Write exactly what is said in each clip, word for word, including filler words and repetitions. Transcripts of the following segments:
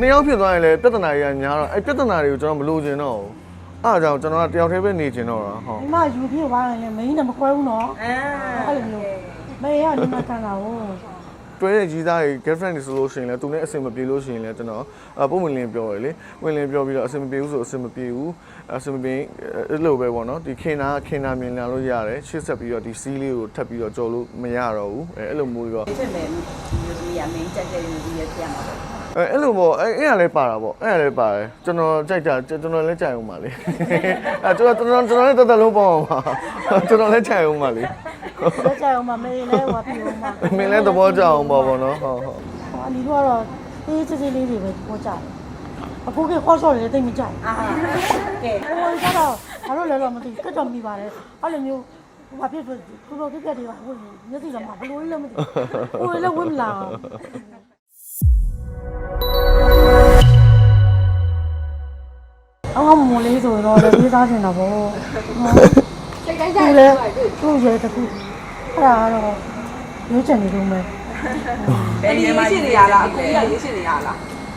နှစ်ယောက်ဖြစ်သွားရင်လည်းပြဿနာကြီးကများတော့အဲ့ပြဿနာတွေကိုကျွန်တော်မလိုချင်တော့ဘူးအားကြောင့်ကျွန်တော်ကတယောက်တည်းပဲနေချင်တော့တာဟုတ်ဒီမှာယူပြစ်သွားရင်လည်းမင်းနဲ့မကွဲဘူးနော်အဲအဲ့လိုမျိုးမင်းကဒီမှာခံတာဟုတ်တွဲတဲ့ကြီးသားတွေ girlfriend တွေဆိုလို့ရှိရင်လည်းသူနဲ့အဆင်မပြေလို့ရှိရင်လည်းကျွန်တော်အပုံဝင်လင်းပြောရလေဝင်လင်းပြောပြီးတော့အဆင်မပြေဘူးဆိုအဆင်မပြေဘူးအဆင်မပြေအဲ့လိုပဲပေါ့နော်ဒီခင်နာခင်နာမြင်လာလို့ရတယ်ရှေ့ဆက်ပြီးတော့ဒီစီးလေးကိုထပ်ပြီးတော့ကြော်လို့မရတော့ဘူးအဲအဲ့လိုမျိုးတော့ဖြစ်မယ်မျိုးကြီးရမင်းကြက်ကြက်မျိုးကြီးရပြန်မှာပေါ့အဲအဲ့လိုပေါ့အဲအဲ့ရလဲပါတာပေါ့အဲ့ရလဲပါတယ်ကျွန်တော်ကြိုက်တာကျွန်တော်လည်းကြိုက်အောင်ပါလေအဲကျွန်တော်ကျွန်တော်ကျွန်တော်လည်းတက်တက်လုံးပေါ့အောင်ပါကျွန်တော်လည်းကြိုက်အောင်ပါလေလက်ကြအောင်မမေးလဲဟောပြအောင်ပါမင်းလည်းသဘောကျအောင်ပါပေါ့နော်ဟုတ်ဟုတ်ဟောဒီကတော့အေးစစ်စစ်လေးတွေပဲသဘောကျတယ်အခုကခေါ်ဆော့တယ်တိတ်မကြိုက်အာကဲဟိုကတော့ဘာလို့လဲတော့မသိကတ်တော်မိပါတယ်အဲ့လိုမျိုးဘာဖြစ်ဖြစ်ခုလိုပြက်တွေပါဟိုမျက်စိတော့မဘလို့လည်းမသိဟိုလည်းဝင်းလာအောင်မလေးဆိုတော့လည်းပြေးသားနေတာပေါ့စိတ်တိုင်းကြိုက်တယ်သူ့ရဲ့တခုအဲ့ဒါကတော့ရွေးချယ်နေလို့မယ်ဘယ်နေရာရှိနေရလားအခုရရေးရှိနေရလား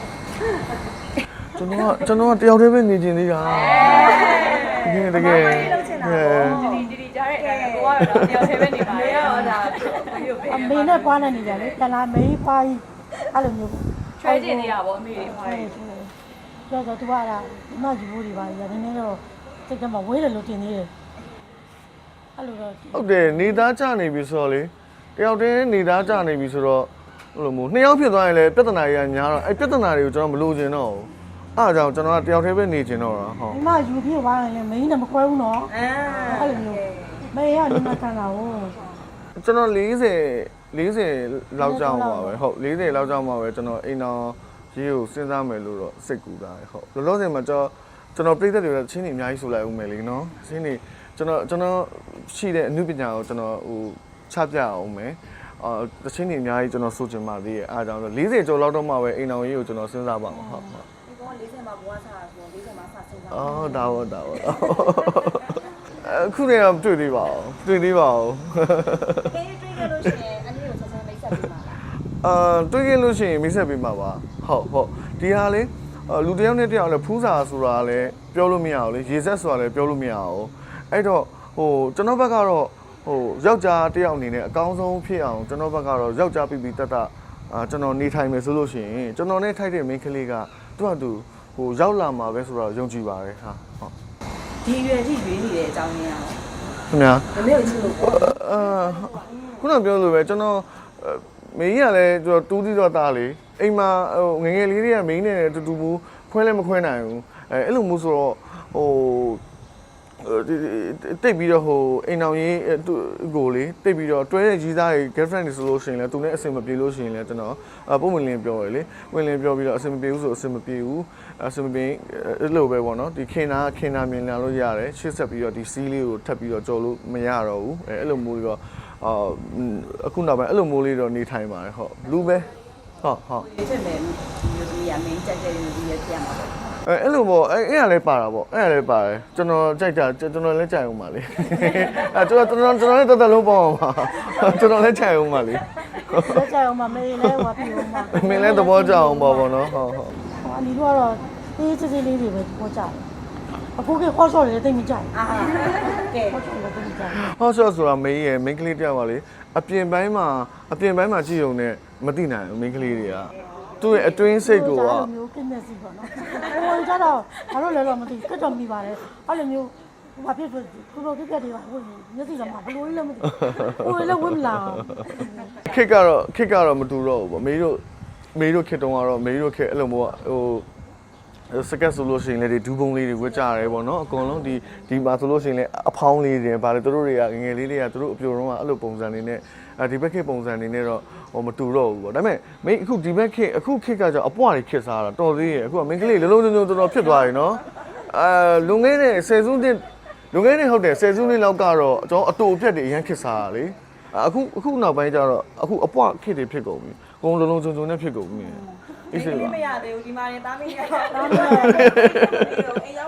ကျွန်တော်ကကျွန်တော်ကတယောက်တည်းပဲနေချင်သေးတာတကယ်တကယ်ဒီဒီဒီကြားတဲ့အတိုင်းကိုကတော့တယောက်တည်းပဲနေပါလေဟောဒါအမေနဲ့ပွားနေနေကြလေတလားမေးပွားကြီးအဲ့လိုမျိုးထွဲကျင်နေရပါအမေတွေဟောတော့တော့သူကအဲ့ဒါမယူဖို့တွေပါရနည်းနည်းတော့စိတ်ကမှဝေးတယ်လို့တင်နေတယ်အဲ့လိုတော့ဟုတ်တယ်နေသားကြနေပြီဆိုတော့လေတယောက်တည်းနေသားကြနေပြီဆိုတော့ဟိုလိုမျိုးနှစ်ယောက်ဖြစ်သွားရင်လည်းပြဿနာကြီးကများတော့အဲ့ပြဿနာတွေကိုကျွန်တော်မလိုချင်တော့ဘူးအားကြောင့်ကျွန်တော်ကတယောက်တည်းပဲနေချင်တော့တာဟုတ်ဒီမှာယူပြစ်သွားရင်လည်းမင်းနဲ့မကွဲဘူးနော်အဲအဲ့လိုမျိုးမင်းကဒီမှာခံတာဟုတ်ကျွန်တော်၄၀ ၄၀လောက်ကြောင်းပါပဲဟုတ်၄၀လောက်ကြောင်းပါပဲကျွန်တော်အိမ်တော်ရေးကိုစဉ်းစားမယ်လို့တော့စိတ်ကူတာဟုတ်လောလောဆယ်မှာကျွန်တော်ကျွန်တော်ပြည်သက်တွေကချင်းနေအများကြီးဆိုလိုက်ဦးမယ်လေနော်ချင်းနေကျွန်တော်ကျွန်တော်ရှိတဲ့အမှုပညာကိုကျွန်တော်ဟိုချပြအောင်မယ်အာတချင်းနေအများကြီးကျွန်တော်ဆိုချင်ပါသေးရဲ့အားကြောင့်၄၀ကျော်လောက်တော့မှပဲအိမ်တော်ရေးကိုကျွန်တော်စဉ်းစားပါမှာဟုတ်ဟုတ်ဒီကောင်၄၀မှာဘွားစားဆို၄၀မှာစစဉ်းစားအော်ဒါဟုတ်ဒါဟုတ်အခုတည်းကတွေ့သေးပါဦးတွေ့သေးပါဦးအေးတွေ့ကြလို့ရှိရင်အနည်းကိုဆက်ဆက်မိတ်ဆက်ပေးပါလားအာတွေ့ကြလို့ရှိရင်မိတ်ဆက်ပေးမှာပါဟုတ်ဟုတ်ဒီဟာလေလူတယောက်နဲ့တယောက်လည်းဖူးစာဆိုတာလည်းပြောလို့မရအောင်လေရေဆက်ဆိုတာလည်းပြောလို့မရအောင်အဲ့တော့ဟိုကျွန်တော်ဘက်ကတော့ဟိုယောက်ျားတယောက်အနေနဲ့အကောင်းဆုံးဖြစ်အောင်ကျွန်တော်ဘက်ကတော့ယောက်ျားပြီးပြီးတတ်တအာကျွန်တော်နေထိုင်မယ်ဆိုလို့ရှိရင်ကျွန်တော်နဲ့ထိုက်တဲ့မိန်းကလေးကသူ့အတူဟိုရောက်လာမှာပဲဆိုတော့ယုံကြည်ပါတယ်ဟာဟုတ်ဒီရွယ်ကြီးရွေးနေတဲ့အကြောင်းရင်းအောင်ခင်ဗျာမမေ့ချစ်လို့ပေါ့အာခုနပြောလို့ပဲကျွန်တော်မေကြီးကလည်းကျွန်တော်တူးသီးတော့တာလေအိမ်မှာဟိုငငယ်လေးတွေကမင်းနဲ့တူတူဘူးခွဲလည်းမခွဲနိုင်ဘူးအဲအဲ့လိုမျိုးဆိုတော့ဟိုတိတ်ပြီးတော့ဟိုအိမ်အောင်ရေးကိုလေတိတ်ပြီးတော့တွဲတဲ့ကြီးသားတွေ girlfriend တွေဆိုလို့ရှိရင်လည်းသူနဲ့အဆင်မပြေလို့ရှိရင်လည်းကျွန်တော်အပုံဝင်လင်းပြောရလေဝင်လင်းပြောပြီးတော့အဆင်မပြေဘူးဆိုအဆင်မပြေဘူးအဆင်မပြေအဲ့လိုပဲပေါ့နော်ဒီခင်နာခင်နာမြင်လာလို့ရတယ်ရှေ့ဆက်ပြီးတော့ဒီစီးလေးကိုထပ်ပြီးတော့ကြော်လို့မရတော့ဘူးအဲအဲ့လိုမျိုးတော့အာအခုနောက်ပိုင်းအဲ့လိုမျိုးလေးတော့နေထိုင်ပါတယ်ဟုတ်လူပဲဟုတ်ဟုတ်ဖြစ်မယ်မျိုးကြီးရမင်းကြက်ကြက်မျိုးကြီးရပြန်မှာပေါ့အဲအဲ့လိုပေါ့အဲအဲ့ရလဲပါတာပေါ့အဲ့ရလဲပါတယ်ကျွန်တော်ကြိုက်တာကျွန်တော်လည်းကြိုက်အောင်ပါလေအဲကျွန်တော်ကျွန်တော်ကျွန်တော်လည်းတက်တက်လုံးပေါ့အောင်ပါကျွန်တော်လည်းကြိုက်အောင်ပါလေလက်ကြအောင်မမေးလဲဟောပြအောင်ပါမင်းလည်းသဘောကျအောင်ပါပေါ့နော်ဟုတ်ဟုတ်ဟောဒီကတော့အေးစစ်စစ်လေးတွေပဲသဘောကျတယ်အခုကခေါ်ဆော့တယ်တိတ်မကြိုက်အာကဲခေါ်ဆော့တယ်တိတ်မကြိုက်ခေါ်ဆော့ဆိုတာမေးရဲ့မိန်းကလေးတယောက်ပါလေအပြင်ပိုင်းမှာအပြင်ပိုင်းမှာကြည့်ုံနဲ့မသိနိုင်ဘူးမိန်းကလေးတွေကသူ့ရဲ့အတွင်းစိတ်ကိုကမျိုးကင်းနေစီပေါ့နော်ဟိုကျတော့ဘာလို့လဲတော့မသိကတ်တော်မိပါတယ်အဲ့လိုမျိုးဘာဖြစ်ဖြစ်ခုလိုပြက်တွေပါဟိုမျက်စိတော့မဘလို့လည်းမသိဟိုလည်းဝင်းလာခစ်ကတော့ခစ်ကတော့မတူတော့ဘူးပေါ့မေတို့မေတို့ခစ်တုံးကတော့မေတို့ခစ်အဲ့လိုမျိုးဟိုစကက်ဆိုလို့ရှိရင်လည်းဒီဒူးပုံလေးတွေဝတ်ကြရဲပေါ့နော်အကုန်လုံးဒီဒီမှာဆိုလို့ရှိရင်လည်းအဖောင်းလေးတွေဗါလေတို့တွေကငငယ်လေးတွေကတို့အပြိုတော့ကအဲ့လိုပုံစံနေနဲ့အဲဒီဘက်ခေတ်ပုံစံနေနဲ့တော့ဟိုမတူတော့ဘူးပေါ့ဒါပေမဲ့မင်းအခုဒီဘက်ခေတ်အခုခေတ်ကကြောင့်အပွားတွေခေတ်စားတာတော်သေးရဲ့အခုကမင်းကလေးလုံးလုံးလုံးတော်တော်ဖြစ်သွားပြီနော်အာလွန်ခဲ့တဲ့ဆယ်စုနှစ်လွန်ခဲ့တဲ့ဟုတ်တယ်ဆယ်စုနှစ်လောက်ကတော့ကျွန်တော်အတူအပြက်တွေအရင်ခေတ်စားတာလေအခုအခုနောက်ပိုင်းကျတော့အခုအပွားခေတ်တွေဖြစ်ကုန်ပြီအကုန်လုံးလုံးစုံစုံနဲ့ဖြစ်ကုန်ပြီအေးစေးပါမရသေးဘူးဒီမှာနေတားမင်းရတော့အိမ်ရော